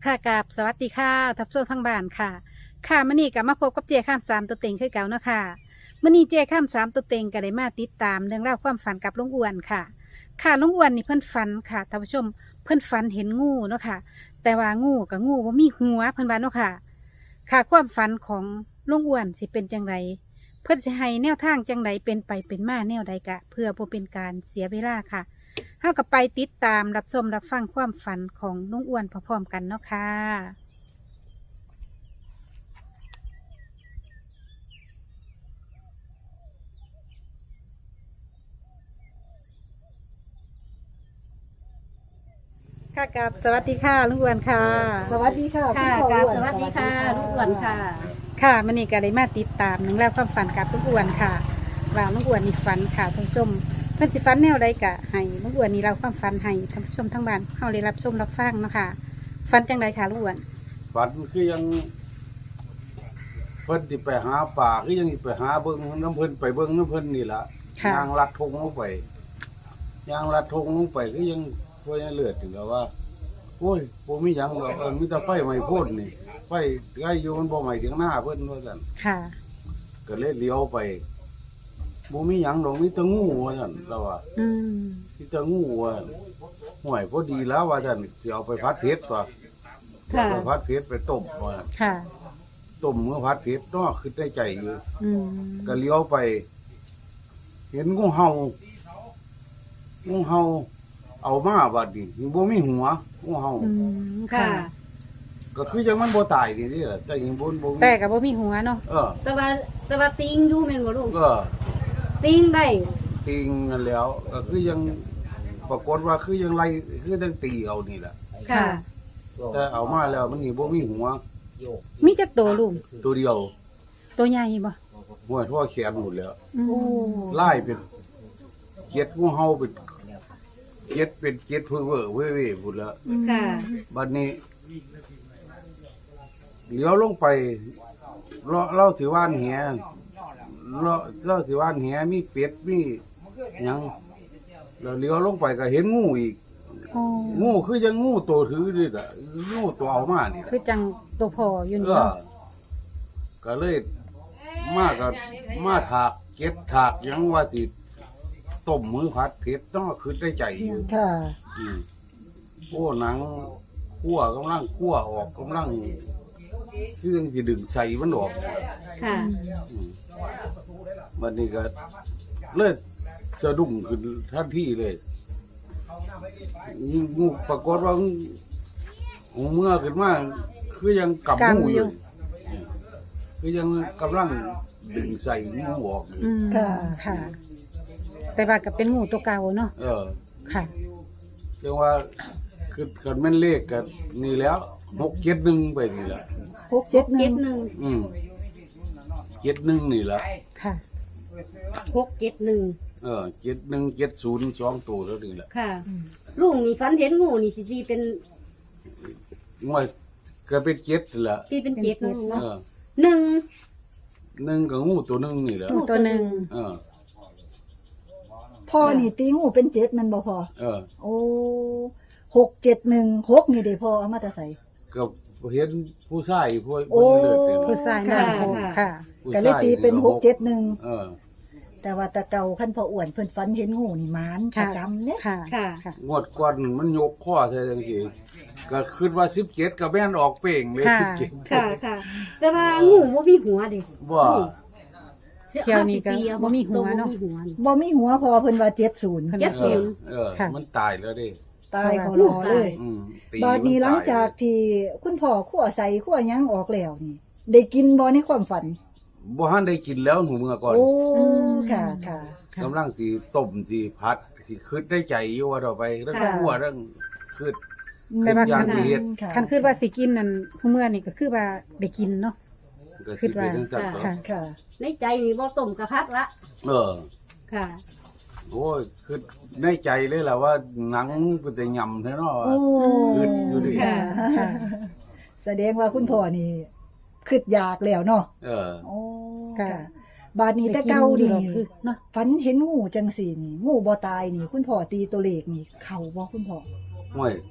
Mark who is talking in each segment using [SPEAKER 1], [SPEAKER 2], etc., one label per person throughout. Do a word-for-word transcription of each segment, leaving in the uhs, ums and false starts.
[SPEAKER 1] ค่ะกับสวัสดีค่ะทับโซ่ทั้งบ้านค่ะค่ะมื่อนี้กับมาพบกับเจ้ข้ามสามตัวเต็งคือเก่าเนาะค่ะมื่อนี้เจ้ข้ามสามตัวเต็งก็ได้มาติดตามเรื่องราวความฝันกับลุงอ้วนค่ะ ค่ะลุงอ้วนนี่เพิ่นฝันค่ะท่านผู้ชมเพิ่นฝันเห็นงูเนาะค่ะ แต่ว่างูกับงูว่ามีหัวเพิ่นว่าเนาะค่ะ ค่ะความฝันของลุงอ้วนสิเป็นจังไรเพิ่นสิให้แนวทางจังไรเป็นไปเป็นมาแนวใดกะ เพื่อบ่เป็นการเสียเวลาค่ะ เท่ากับไปติดตามรับชมรับฟังความฝันของลุงอ้วนพร้อมๆกันเนาะค่ะค่ะกับสวัสดีค่ะลุงอ้วนค่ะ
[SPEAKER 2] สวัสดีค่ะ
[SPEAKER 3] ค่ะ
[SPEAKER 2] ณพ่อ
[SPEAKER 3] ค่ะ
[SPEAKER 2] อ้วน
[SPEAKER 3] สวัสดีค่ะลูกอ้วนค่ะ
[SPEAKER 1] ค่ะมันนี่ก็ได้มาติดตามหนึ่งแล้วความฝันกับลุงอ้วนค่ะ ว่าลุงอ้วนนี่ฝันค่ะท่านผู้ชมเพื่อนสิฝันแนวใดกะให้ลุงอ้วนนี่เราความฝันให้ท่านผู้ชมทั้งบ้านเข้าได้รับชมรับฟังเนาะค่ะฝันจังใดค่ะลุงอ้วน
[SPEAKER 4] ฝันคือยังเพิ่นสิไปหาป่าคือยังสิไปหาเบิ่งน้ำเพิ่นไปเบิ่งน้ำเพิ่นนี่ล่ะ
[SPEAKER 1] ค่ะ
[SPEAKER 4] ยางลัดทงลงไปยางลัดทงลงไปคือยังพวกยังเลือดถึงกับว่าโอ้ยบ่มีหยังหรอกเออมีแต่ไฟไหม้พ่นนี่ไฟใกล้อยู่มันบ่ไหม้ถึงหน้าเพิ่นว่าซั่น
[SPEAKER 1] ค่ะ
[SPEAKER 4] ก็เลยเลี้ยวไปบ่มีหยังดอกมีแต่งูว่าซั่นเราว่า
[SPEAKER 1] อืม
[SPEAKER 4] มีแต่งูว่าห่วยพอดีแล้วว่าซั่นสิเอาไปพัดเผ็ดว่ะ
[SPEAKER 3] ค่ะ
[SPEAKER 4] เอาไปพัดเผ็ดไปต้มว่า
[SPEAKER 1] ค่ะ
[SPEAKER 4] ต้มเมื่อพัดเผ็ดเนาะคือได้ใจอยู่
[SPEAKER 1] อืม
[SPEAKER 4] ก็เลี้ยวไป เห็นงูเห่างูเห่าเอามาบัดนี้บ่มีหัวงูเห่า
[SPEAKER 1] อืมค่ะ
[SPEAKER 3] ค่ะ
[SPEAKER 4] ก็คือจังมันบ่ตายนี่เด้อแต่ยังบ่บ่มี
[SPEAKER 1] แต่กับว่ามีหัวเนาะ
[SPEAKER 4] เออ
[SPEAKER 3] แต่ว่าแต่ว่าติงอยู่แม่นบ่ลูก
[SPEAKER 4] ก็
[SPEAKER 3] ติงได้
[SPEAKER 4] ติงนั่นแล้ว ก็คือยังปรากฏว่าคือยังไล่คือจังตีเอานี่แหละ
[SPEAKER 3] ค่ะ
[SPEAKER 4] แต่เอามาแล้วมันนี่บ่มีหัว
[SPEAKER 1] มีจักตัวลุง
[SPEAKER 4] ตัวเดียว
[SPEAKER 1] ตัวใหญ่บ่
[SPEAKER 4] หัวทั่วแขนหมดแล้ว
[SPEAKER 1] อืม
[SPEAKER 3] โอ้
[SPEAKER 4] ไล่เป็นเจ็ดงูเห่าเป็นเจ็ดเป็นเจ็ดเพ้อเว้อเว้ยๆพุ่นแล้ว
[SPEAKER 3] ค่ะ
[SPEAKER 4] บัดนี้เลี้ยวลงไปเราเราถือว่านแหเราเราถือว่านแหมีเป็ดมีหยังเราเลี้ยวลงไปก็เห็นงูอีก
[SPEAKER 1] โอ้
[SPEAKER 4] งูคือยังงูตัวถือนี่ล่ะงูตัวเอามานี่ล่ะ
[SPEAKER 1] คือจังตัวพออยู่
[SPEAKER 4] เอ
[SPEAKER 1] นี่
[SPEAKER 4] อ
[SPEAKER 1] เนาะ
[SPEAKER 4] ก็เลยมากับมาถากเก็บถากหยังว่าสิต้มมือผัดเผ็ดต้องคือได้ใจอยู่
[SPEAKER 2] ค่ะ
[SPEAKER 4] อืมโอ้หนังคั่วกำลังคั่วออกกำลังเครื่องที่ดึงใส่มันออก
[SPEAKER 3] ค่ะ
[SPEAKER 4] อืมวันนี้ก็เลิกสะดุ้งขึ้นทันทีเลยยิ่งงูปรากฏว่าหูเมื่อขึ้นมาคือยังกำงูอยู่คือยังกำลังดึงใส่งูออกอยู่
[SPEAKER 1] อืม
[SPEAKER 2] ค่ะ
[SPEAKER 1] ค่ะ แต่ว่าก็เป็นงูตัวเก่าเนาะ
[SPEAKER 4] เออ
[SPEAKER 1] ค่ะ
[SPEAKER 4] เรียกว่าคือกันแม่นเลขกันนี่แล้วหกเจ็ดหนึ่งไปนี่แหละ
[SPEAKER 2] หกเจ็ดห
[SPEAKER 3] เจ็
[SPEAKER 2] นึ่
[SPEAKER 3] ด
[SPEAKER 2] ง
[SPEAKER 3] หนึ่ง
[SPEAKER 4] อืมเจ็ดหนึ่งนี่แหละ
[SPEAKER 1] ค่ะ
[SPEAKER 3] หกเจ็ดหนึ่ง
[SPEAKER 4] เออเจ็ดหนึ่งเจ็ดศูนย์สองตัวแล้วนี่แหละ
[SPEAKER 3] ค่ะลุงนี่ฝันเห็นงูนี่สิตีเป็น
[SPEAKER 4] งวยก็เป็นเจ็ดนั่นแหละ
[SPEAKER 3] ตีเป็นเจ็ด
[SPEAKER 1] เป็นเจ็ด
[SPEAKER 3] เนาะ
[SPEAKER 4] เออ
[SPEAKER 3] หนึ่ง
[SPEAKER 4] หนึ่งกับงูตัวหนึ่งนี่แหละ
[SPEAKER 1] งูตัวหนึ่ง
[SPEAKER 4] เออ
[SPEAKER 2] พ่อนี่ตีงูเป็นเจ็ดแมันบ่พอ
[SPEAKER 4] เออ
[SPEAKER 2] โอ้หกเจ็ดหนึ่งหกนี่เด้พ่อเอามาแต่ใส่
[SPEAKER 4] ก็เห็นผู้ชายผู้
[SPEAKER 2] โอ้
[SPEAKER 4] ผู้เลือดเนี่ย
[SPEAKER 1] ผู้ชายหน้าโหกค่ะ
[SPEAKER 4] ผู้
[SPEAKER 2] ก็เลยตีเป็นหกเจ็ดหนึ่ง
[SPEAKER 4] เออ
[SPEAKER 2] แต่ว่าตะเก่าขั้นพ่ออ้วนเพิ่นฝันเห็นงูนี่หมานประจำเนี่ย
[SPEAKER 1] ค่ะ
[SPEAKER 3] ค่ะ
[SPEAKER 1] ค่ะ
[SPEAKER 4] งวดก่อนมันยกข้อใช่จังซี่ก็คิดว่าสิบเจ็ดกับแม่นออกเป่งเลย
[SPEAKER 1] ค่ะ
[SPEAKER 4] สิบเจ็ด
[SPEAKER 3] ค่ะค่ะ แต่ว่างูบ่มีหัวเด้
[SPEAKER 4] ว่า
[SPEAKER 1] เที่ยวนี้ก็บ่มีหัวเนาะ
[SPEAKER 3] บ่มีหัวนี่
[SPEAKER 2] บ่มีหัวพอเพิ่นว่าเจ็ดศูนย์
[SPEAKER 3] เจ็ด
[SPEAKER 4] เอ
[SPEAKER 3] ศู
[SPEAKER 4] อน
[SPEAKER 3] ย์
[SPEAKER 4] เออ
[SPEAKER 1] ค่ะ
[SPEAKER 4] มันตายแล้วเดิ
[SPEAKER 2] ตายขอรอเลย
[SPEAKER 4] อืมตี
[SPEAKER 2] บาดนี้หลังจากที่คุณพ่อขั่วใส่ขั่วหยังออกแล้วนี่ ได้กินบ่ในความฝัน
[SPEAKER 4] บ่ทันได้กินแล้วหนูเมื่อก่อน
[SPEAKER 2] โอ้
[SPEAKER 1] อืม
[SPEAKER 2] ค่ะค่ะ
[SPEAKER 1] ค่ะ
[SPEAKER 4] กำลังสิต้มสิพัดสิคิดได้ใจอยู่ว่าต่อไปเรื่อง
[SPEAKER 2] ค่ะ
[SPEAKER 4] คั่วเรื่องคิด
[SPEAKER 1] แต่ว่า
[SPEAKER 4] อย่าง
[SPEAKER 1] คัน
[SPEAKER 4] ที่เฮ็ด
[SPEAKER 2] ค่ะ
[SPEAKER 1] คันคือว่าสิกินนั่นผู้เมื่อนี่ก็คือว่าได้กินเนาะ
[SPEAKER 4] ก็
[SPEAKER 1] คิ
[SPEAKER 4] คิ
[SPEAKER 1] ด
[SPEAKER 4] ด
[SPEAKER 1] ว่า
[SPEAKER 4] ว่าจังซั่น
[SPEAKER 1] ค่ะ
[SPEAKER 2] ค่ะ
[SPEAKER 3] ในใจนี่บ่ต้มกระพักละ
[SPEAKER 4] เออ
[SPEAKER 3] ค่ะ
[SPEAKER 4] โอ้ยคือในใจเลยล่ะว่าหนังเป็นแต่ยำแท้เนาะ
[SPEAKER 2] โอ้
[SPEAKER 4] คืออยู่ดิ
[SPEAKER 2] ค่ะ
[SPEAKER 1] ค่ะ
[SPEAKER 2] แสดงว่าคุณพ่อนี่คิดอยากแล้วเนาะ
[SPEAKER 4] เออ
[SPEAKER 2] โอ้
[SPEAKER 1] ค่ะ
[SPEAKER 2] ค่ะ บาดนี้แต่เก่านี่
[SPEAKER 1] ได้กิคือเนาะ
[SPEAKER 2] ฝันเห็นงูจังสี่นี่ งูบ่ตายนี่ คุณพ่อตีตัวเลขนี่ เข้าบ่คุณพ่อ
[SPEAKER 4] ห่วย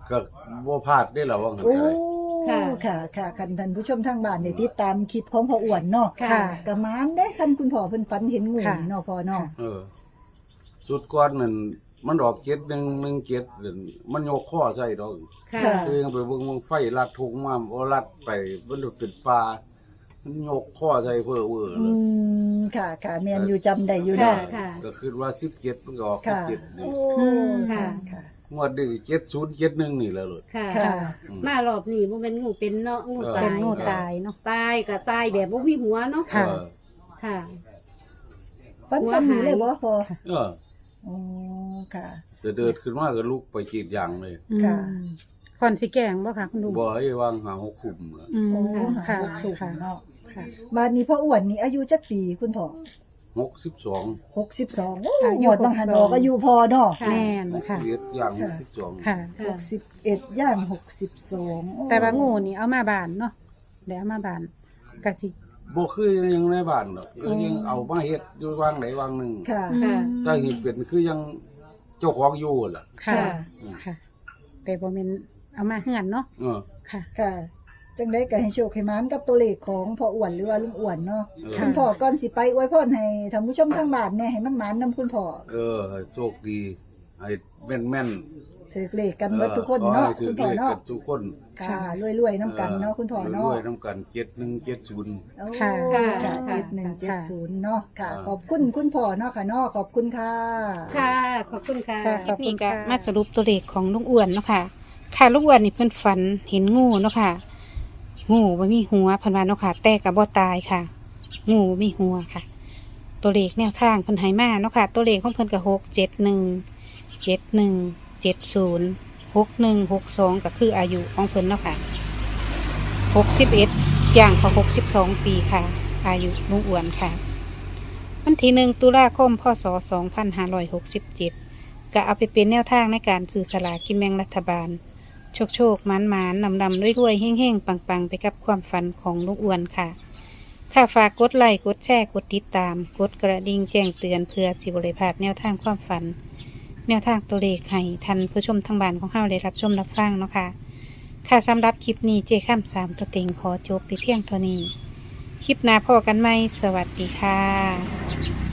[SPEAKER 4] ก็บ่พลาดได้หรอว่างั้น
[SPEAKER 2] โอ้
[SPEAKER 4] ก็ได้
[SPEAKER 2] ค่ะค่ะคันท่านผู้ชมทางบ้านได้ติดตามคลิปของพ่ออ้วนเนาะ
[SPEAKER 1] ค่ะ
[SPEAKER 2] กะมานได้คันคุณพ่อเพิ่นฝันเห็นงู
[SPEAKER 1] ค่ะ
[SPEAKER 2] นี่เนาะพ่อเนาะ
[SPEAKER 4] เออสุดก่อนนั่นมันออกเจ็ดหนึ่งหนึ่งเจ็ดนั่นมันยกข้อใส่ดอก
[SPEAKER 3] ค่ะ
[SPEAKER 2] ค่ะ
[SPEAKER 4] คือยังไปเบิ่งมึงไฟลัดทุงมาบ่ลัดไปมันหลุดเป็นปลามันยกข้อใส่เพ้อเว้อ
[SPEAKER 2] อื
[SPEAKER 4] เลย
[SPEAKER 2] มค่ะค่ะแม่นอยู่จำได้อยู่
[SPEAKER 3] ค่ะ
[SPEAKER 2] เนาะ
[SPEAKER 3] ค่ะ
[SPEAKER 4] ก็คือว่าสิบเจ็ดมันก็ออกสิบ
[SPEAKER 2] ค่ะ
[SPEAKER 4] เจ็ด
[SPEAKER 2] โอ้
[SPEAKER 4] นี่
[SPEAKER 2] ค่ะ
[SPEAKER 3] ค่ะ
[SPEAKER 2] ค่ะ
[SPEAKER 4] งวดนี้เจ็ดศูนย์เจ็ดหนึ่งนี่แหล้วเลย
[SPEAKER 3] ค่ะ
[SPEAKER 2] ค่ะ
[SPEAKER 4] อืม
[SPEAKER 3] มารอบนี้บ่แม่นงูเป็นเนาะงู
[SPEAKER 4] เออ
[SPEAKER 3] ตา
[SPEAKER 1] เป็น
[SPEAKER 3] ย
[SPEAKER 1] งูตายเนาะ
[SPEAKER 3] ตายก็ตายแบบบ่มีหัวเนาะ
[SPEAKER 1] ค่ะ
[SPEAKER 4] เออ
[SPEAKER 3] ค่ะ
[SPEAKER 2] ฝันซ้ำนี้เลยบ่พ่อ
[SPEAKER 4] เออ
[SPEAKER 2] อ๋อค่ะ
[SPEAKER 4] จะเดินขึ้นมาก็ลุกไปจีดยางเลย
[SPEAKER 2] ค่ะ
[SPEAKER 1] อืมคอนสิแกงบ่ค่ะคุณลุง
[SPEAKER 4] บ่ให้วางหาหกคุมเลย
[SPEAKER 1] อืม
[SPEAKER 2] โอ้
[SPEAKER 1] ค่ะ
[SPEAKER 2] หาถูก
[SPEAKER 1] ค่ะ
[SPEAKER 2] เนาะ
[SPEAKER 1] ค่ะ
[SPEAKER 2] บาดนี้พ่ออ้วนนี่อายุจักปีคุณพ่อ
[SPEAKER 4] หกสิบสอง
[SPEAKER 2] หกสิบสองโอ้
[SPEAKER 1] อายุ
[SPEAKER 2] หมวดบางหันออกอายุพอเนาะ
[SPEAKER 3] ค่ะ
[SPEAKER 1] แม่นค่ะ
[SPEAKER 4] เลียดอย่างหกสิบสอง
[SPEAKER 1] ค่ะ
[SPEAKER 2] หกสิบเอ็ดย่างหกสิบสองโอ้
[SPEAKER 1] แต่ว่างูนี่เอามาบานเนาะเดี๋ยวเอามาบานกะสิ
[SPEAKER 4] บ่คือยังในบ้านหรอกคือยังเอามาเฮ็ดอยู่วางไหนวางหนึ่ง
[SPEAKER 2] ค่ะ
[SPEAKER 3] ค่ะ
[SPEAKER 4] ถ้าเห็นเป็นคือยังเจ้าของอยู่ล่ะ
[SPEAKER 1] ค่ะ
[SPEAKER 2] ค่ะ
[SPEAKER 1] ค่ะ แต่บ่แม่นเอามาเฮือนเนาะ
[SPEAKER 4] เออ
[SPEAKER 1] ค่ะ
[SPEAKER 2] ค่ะ จังได้ก็ให้โชคให้หมานกับตัวเลขของพ่ออ้วนหรือว่าลุงอ้วนเนาะ
[SPEAKER 4] เออ
[SPEAKER 1] ค่ะ
[SPEAKER 2] คุณพ่อก่อนสิไปอวยพรให้ท่านผู้ชมทางบ้านแหน่ให้มันหมานนํคุณพ่อ
[SPEAKER 4] เออให้โชคดีให้แม่นแม่น
[SPEAKER 2] ถือเลขกันเบิดทุกคนเนาะ
[SPEAKER 4] ออขอให้ถื
[SPEAKER 2] คุ
[SPEAKER 4] อ
[SPEAKER 2] ณพ่อ
[SPEAKER 4] เลข
[SPEAKER 2] เนาะ
[SPEAKER 4] กันทุกคน
[SPEAKER 2] ค่ะรวยๆน้ำกันเนาะคุณพ่อเนาะ
[SPEAKER 4] รวยๆน้ำกันเจ็ดหนึ่งเจ็ดศูนย์
[SPEAKER 2] โอ้
[SPEAKER 1] ค่ะ
[SPEAKER 2] ค่ะ
[SPEAKER 3] ค่ะ
[SPEAKER 2] เจ็ดหนึ่งเจ็ดศูนย์เนาะค่ะ
[SPEAKER 4] ค่ะ
[SPEAKER 2] ขอบคุณคุณพ่อเนาะค่ะเนาะขอบคุณค่ะ
[SPEAKER 3] ค่ะ ขอบคุณค่ะ
[SPEAKER 1] ค่ะขอบคุณ
[SPEAKER 2] นี่ก็
[SPEAKER 1] ค่ะมาสรุปตัวเลขของลุงอ้วนเนาะค่ะ ค่ะลุงอ้วนนี่เพิ่นฝันเห็นงูเนาะค่ะ งูบ่มีหัวเพิ่นว่าเนาะค่ะ แต่ก็บ่ตายค่ะ งูบ่มีหัวค่ะ ตัวเลขแนวทางเพิ่นให้มาเนาะค่ะ ตัวเลขของเพิ่นก็หกเจ็ดหนึ่งเจ็ดหนึ่งเจ็ดศูนย์หกหนึ่งหกสองก็คืออายุของเพิ่นเนาะค่ะหกสิบเอ็ดย่างเขาหกสิบสองปีค่ะ อายุลุงอ้วนค่ะ วันที่หนึ่งตุลาคมพศสองพันห้าร้อยหกสิบเจ็ดก็เอาไปเป็นแนวทางในการซื้อสลากกินแบ่งรัฐบาล โชคโชคมันมันนำนำด้วยรวยๆเฮ่งเฮ่งปังปังๆ ไปกับความฝันของลุงอ้วนค่ะ ค่ะฝากกดไลค์กดแชร์กดติดตาม กดกระดิ่งแจ้งเตือนเพื่อสิบริพลาดแนวทางความฝัน แนวทางตัวเลขให้ทันผู้ชมทางบ้านของเฮาได้รับชมรับฟังเนาะค่ะ ค่ะสำหรับคลิปนี้เจข้ามสามตัวเต็งขอจบไปเพียงเท่านี้ คลิปหน้าพอกันไหมสวัสดีค่ะ